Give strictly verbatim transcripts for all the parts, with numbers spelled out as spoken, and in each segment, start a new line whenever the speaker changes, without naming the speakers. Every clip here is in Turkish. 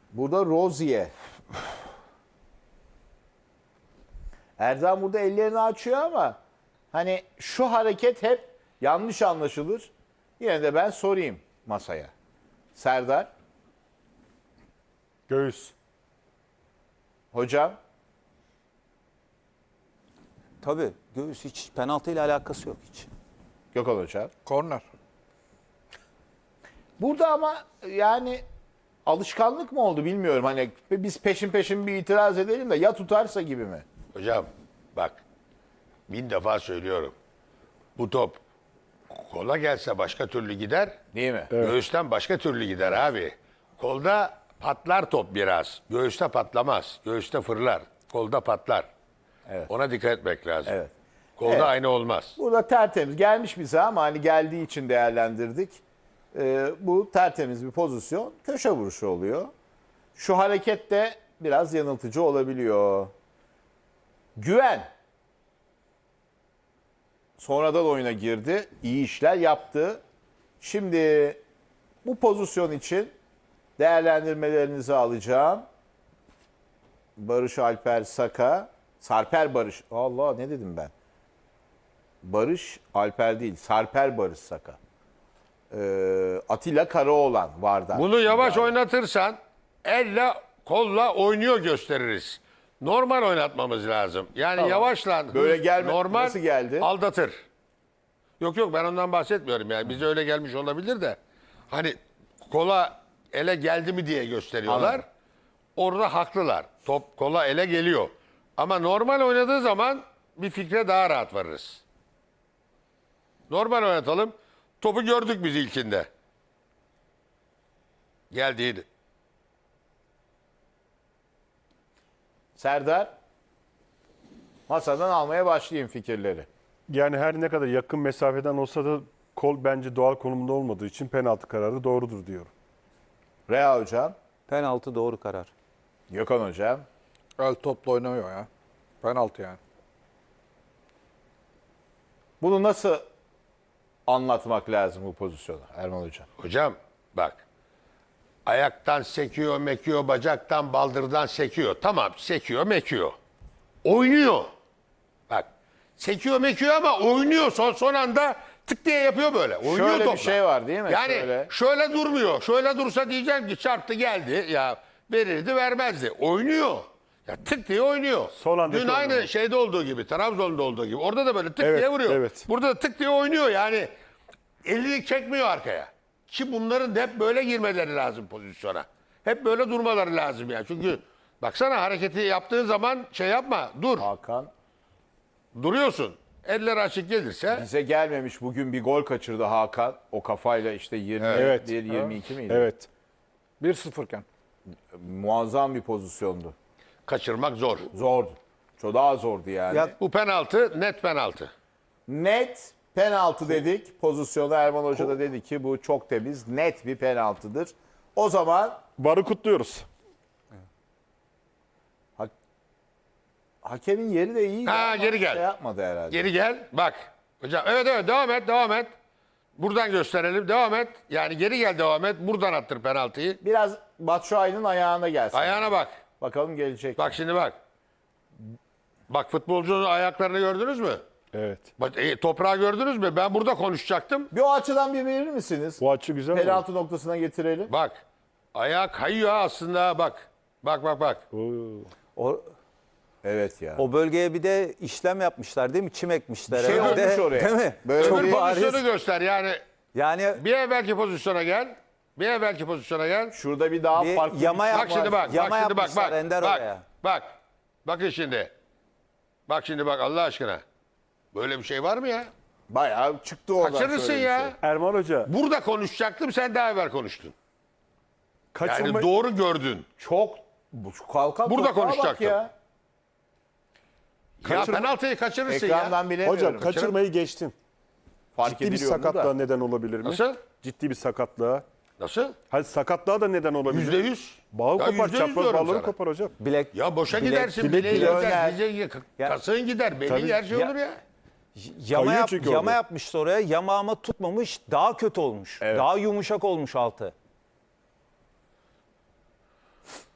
Burada Rozier. Erdem burada ellerini açıyor ama hani şu hareket hep yanlış anlaşılır. Yine de ben sorayım masaya. Serdar,
Göğüs.
hocam,
Tabii göğüs hiç penaltıyla alakası yok hiç.
Gökhan hocam.
Korner.
Burada ama yani alışkanlık mı oldu bilmiyorum. Hani biz peşin peşin bir itiraz edelim de ya tutarsa gibi mi?
Hocam bak bin defa söylüyorum. Bu top kola gelse başka türlü gider.
Değil mi?
Göğüsten başka türlü gider abi. Kolda patlar top biraz. Göğüste patlamaz. Göğüste fırlar. Kolda patlar.
Evet.
Ona dikkat etmek lazım.
Evet.
Kolda
Evet.
aynı olmaz.
Burada tertemiz gelmiş bize ama hani geldiği için değerlendirdik. Ee, bu tertemiz bir pozisyon. Köşe vuruşu oluyor. Şu hareket de biraz yanıltıcı olabiliyor. Güven. Sonradan oyuna girdi. İyi işler yaptı. Şimdi bu pozisyon için değerlendirmelerinizi alacağım. Barış Alper Saka. Sarper Barış. Allah ne dedim ben? Barış Alper değil. Sarper Barış Saka. Ee, Atilla Karaoğlan vardı.
Bunu yavaş oynatırsan elle kolla oynuyor gösteririz. Normal oynatmamız lazım. Yani
Tamam.
yavaşla
Böyle
hız,
gelme-
normal
nasıl geldi?
aldatır. Yok yok ben ondan bahsetmiyorum yani. Bize öyle gelmiş olabilir de. Hani kola ele geldi mi diye gösteriyorlar.
Anladım.
Orada haklılar. Top kola ele geliyor. Ama normal oynadığı zaman bir fikre daha rahat varırız. Normal oynatalım. Topu gördük biz ilkinde. Geldiğini.
Serdar. Masadan almaya başlayayım fikirleri.
Yani her ne kadar yakın mesafeden olsa da kol bence doğal konumunda olmadığı için penaltı kararı doğrudur diyorum.
Rea hocam.
Penaltı doğru karar.
Gökhan hocam.
El topla oynamıyor ya. Penaltı yani.
Bunu nasıl anlatmak lazım bu pozisyonu Erman hocam?
Hocam bak. Ayaktan sekiyor, mekiyor, bacaktan, baldırdan sekiyor. Tamam sekiyor, mekiyor. Oynuyor. Bak sekiyor, mekiyor ama oynuyor. Son, son anda tık diye yapıyor böyle. Oynuyor
Şöyle bir
topla.
şey var değil mi?
Yani
Şöyle.
şöyle. durmuyor. Şöyle dursa diyeceğim ki çarptı geldi. Ya verirdi vermezdi. Oynuyor. Ya tık diye oynuyor.
Son andaki
Dün aynı
oynadı.
şeyde olduğu gibi, Trabzon'da olduğu gibi. Orada da böyle tık
Evet,
diye vuruyor.
evet.
Burada da tık diye oynuyor. Yani elini çekmiyor arkaya. Ki bunların da hep böyle girmeleri lazım pozisyona. Hep böyle durmaları lazım ya. Çünkü baksana hareketi yaptığın zaman şey yapma. Dur.
Hakan.
Duruyorsun. Eller açık gelirse
Bize gelmemiş bugün bir gol kaçırdı Hakan. O kafayla işte yirmi bir
Evet.
yirmi iki miydi?
Evet.
bir sıfır iken.
Muazzam bir pozisyondu.
kaçırmak zor.
Zordu. Çok daha zordu yani.
Ya-
Bu penaltı net penaltı.
Net penaltı dedik. Pozisyonu Erman Hoca da dedi ki bu çok temiz, net bir penaltıdır. O zaman
Varı kutluyoruz.
ha- hakemin yeri de iyi.
Ha, geri gel.
Şey yapmadı herhalde.
Geri gel. Bak. Hocam evet evet devam et devam et. Buradan gösterelim. Devam et. Yani geri gel devam et. Buradan attır penaltıyı.
Biraz Batshuayi'nin ayağına gelsin.
Ayağına bak.
Bakalım gelecek.
Bak şimdi bak. Bak futbolcunun ayaklarını gördünüz mü?
Evet.
Bak, e, toprağı gördünüz mü? Ben burada konuşacaktım.
Bir o açıdan bir verir misiniz?
Bu açı güzel oldu.
Penaltı noktasına getirelim.
Bak. Ayağı kayıyor ha aslında bak. Bak bak bak.
Oo.
O,
Evet ya.
o bölgeye bir de işlem yapmışlar değil mi? Çim ekmişler.
Bir şey
herhalde.
olmuş oraya.
Değil mi?
Böyle
Çok
Öbür
bir-
bariz.
pozisyonu göster yani.
Yani
Bir evvelki pozisyona gel. Bir evvelki pozisyona gel.
Şurada bir daha
Bir
farklı
yama
bir-
yap-
Bak şimdi bak.
Yama
bak şimdi bak
yapmışlar
bak.
Ender
Bak.
oraya.
Bak. Bakın şimdi. Bak şimdi bak Allah aşkına. Böyle bir şey var mı ya?
Bayağı çıktı oradan.
Kaçırırsın
şöyle bir
ya.
şey.
Erman Hoca
Burada konuşacaktım sen daha evvel konuştun. Yani
kaçırma...
doğru gördün.
Çok bu şu kalkan
Burada
toprağa bak
konuşacaktım.
ya.
Ya
Kaçırma-
penaltıyı kaçırırsın ya.
Ekrandan bilemiyorum.
Hocam kaçırmayı geçtin.
Fark
Ciddi bir
ediliyor mu
sakatlığa
da.
neden olabilir mi?
Nasıl?
Ciddi bir sakatlığa.
Nasıl?
Hadi sakatlığa da neden olabilir.
Yüzde yüz.
Bağı
Ya
kopar,
yüzde yüz
çapraz
diyorum
bağları
sana.
kopar hocam.
bilek
Ya boşa
bilek-
gidersin.
bilek-
Bileği
bilek-
gider,
Döner.
dize-
Ya-
kasığın gider. Belin
Tabii.
her şey
Ya-
olur ya.
yama,
Kayıyor
yap,
çünkü
yama
orada.
yapmıştı oraya. Yamağıma tutmamış. Daha kötü olmuş.
Evet.
Daha yumuşak olmuş altı.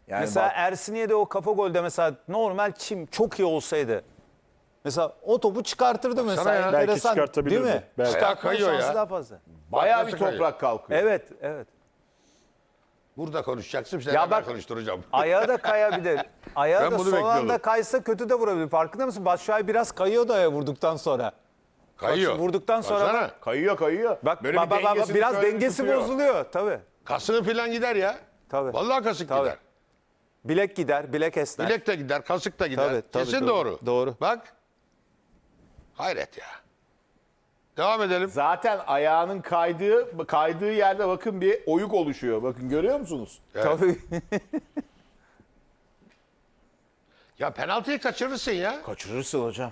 Yani
mesela
bak-
Ersinye'de o kafa golde mesela normal çim çok iyi olsaydı. Mesela o topu çıkartırdı mesela.
ya.
Belki
Enteresan,
çıkartabilirdi.
değil mi?
Belki.
Çıkartma
Kayıyor ya.
şansı daha fazla.
bayağı
Nasıl
bir
kayıyor?
toprak kalkıyor.
Evet, evet.
Burada konuşacaksın. Sen
Ya
ya
bak-
konuşturacağım.
Ayağı da kayabilir. Ayağı
Ben
da
bunu
son
bekliyordum.
anda kaysa kötü de vurabilir. Farkında mısın? Batshuayi biraz kayıyor da ayağı vurduktan sonra.
Kayıyor.
Bak, vurduktan sonra
Baksana.
bak-
Kayıyor kayıyor.
Bak,
Böyle
bak,
bir
bak, bak,
dengesini
biraz
şöyle bir
dengesi
tutuyor.
bozuluyor tabii.
Kasığı falan gider ya.
Tabii.
Vallahi kasık
Tabii.
gider.
Bilek gider, bilek esner.
Bilek de gider, kasık da gider.
Tabii, tabii,
Kesin
doğru.
doğru.
Doğru.
Bak. Hayret ya. Devam edelim.
Zaten ayağının kaydığı kaydığı yerde bakın bir oyuk oluşuyor. Bakın görüyor musunuz?
Tabii.
Ya penaltıyı kaçırırsın ya.
Kaçırırsın hocam.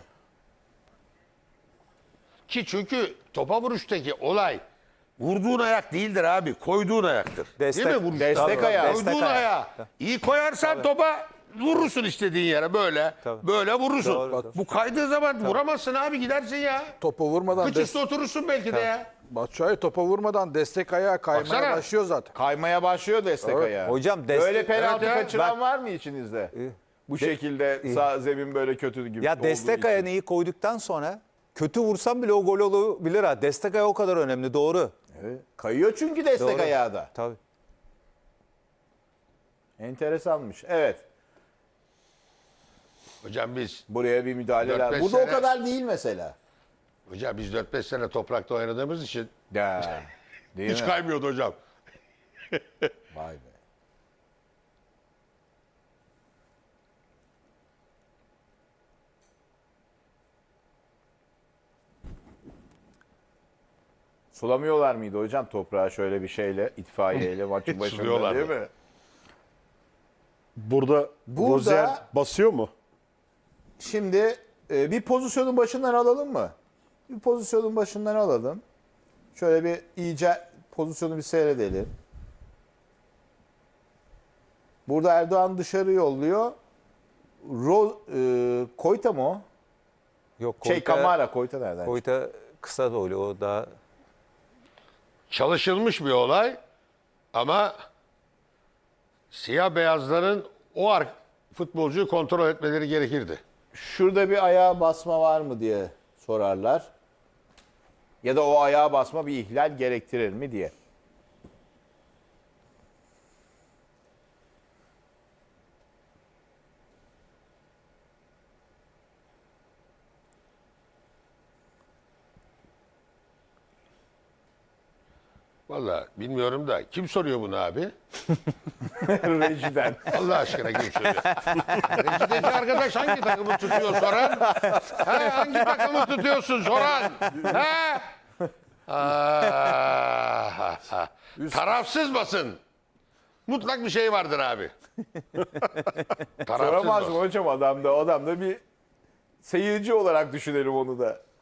Ki çünkü topa vuruştaki olay vurduğun ayak değildir abi. Koyduğun ayaktır.
Destek-
Değil mi? Vuruş?
destek
Tabii.
ayağı.
Koyduğun
Destek ayağı.
ayağı. İyi koyarsan topa vurursun istediğin yere böyle.
Tabii.
Böyle vurursun.
Doğru, doğru.
Bu kaydığı zaman vuramazsın abi, gidersin ya.
Topu vurmadan
Kıç
des-
üstü oturursun belki de ya.
Batshuayi topa vurmadan destek ayağı kaymaya
Baksana.
başlıyor zaten.
Kaymaya başlıyor destek
Evet.
ayağı.
Hocam destek-
Böyle penaltı
Evet ya.
kaçıran
Bak-
var mı içinizde? Bu şekilde sağ zemin böyle kötü gibi
Ya
olduğu
destek
için.
ayağını iyi koyduktan sonra kötü vursam bile o gol olabilir ha. Destek ayağı o kadar önemli, doğru.
Evet. Kayıyor çünkü destek
Doğru.
ayağı da.
Tabii.
Enteresanmış. Evet.
Hocam biz
Buraya bir müdahale
Dört
lazım.
beş
Burada o
sene-
kadar değil mesela.
hocam biz dört beş sene toprakta oynadığımız için
Ya. Değil
hiç
mi?
kaymıyordu hocam.
Vay be. Sulamıyorlar mıydı hocam toprağı şöyle bir şeyle, itfaiyeyle maçın başında
Suluyorlardı.
değil mi?
Burada,
Burada-
Rozier basıyor mu?
Şimdi e, bir pozisyonun başından alalım mı? Bir pozisyonun başından alalım. Şöyle bir iyice pozisyonu bir seyredelim. Burada Erdoğan dışarı yolluyor. Ro, e, Koyta mı o?
Yok,
Şey
Koyta-
Kamara, Koyta nereden?
Koyta kısa boylu, o daha
Çalışılmış bir olay ama siyah beyazların o ar- futbolcuyu kontrol etmeleri gerekirdi.
Şurada bir ayağa basma var mı diye sorarlar. Ya da o ayağa basma bir ihlal gerektirir mi diye.
Vallahi bilmiyorum da kim soruyor bunu abi?
Rejiden.
Allah aşkına kim soruyor? Rejideki arkadaş hangi takımı tutuyor soran? Ha, hangi takımı tutuyorsun soran? Ha? Ah, ah. Tarafsız basın. Mutlak bir şey vardır abi. Tarafsız
Soramaz mı
basın.
hocam adam da? Adam da bir seyirci olarak düşünelim onu da.